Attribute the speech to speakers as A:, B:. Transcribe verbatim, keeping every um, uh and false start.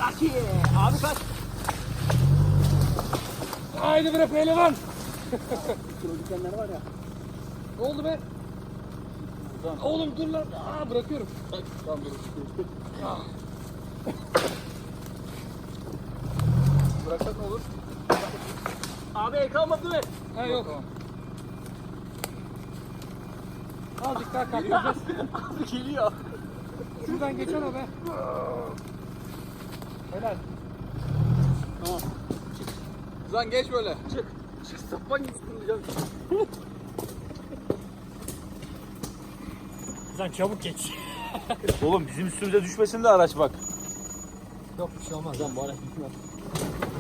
A: Zaki. Abi kaç.
B: Haydi bre pehlivan.
A: Kilo dikenler var ya.
B: Ne oldu be? Oğlum dur lan. Aa bırakıyorum.
A: Tamam dur.
B: Ah.
A: Bıraksak ne olur? Abi el kalmadı mı?
B: Ha yok.
A: Tamam.
B: Azıcık daha kaptıracağız.
A: Abi geliyor.
B: Şuradan geçen o be. Helal.
A: Tamam.
C: Lan geç böyle.
A: Çık. Çık sapan gibi fırlayacağım.
B: Sen çabuk geç.
C: Oğlum bizim üstümüze düşmesin de araç bak.
B: Yok bir şey olmaz.
A: Lan bu araç gitmez.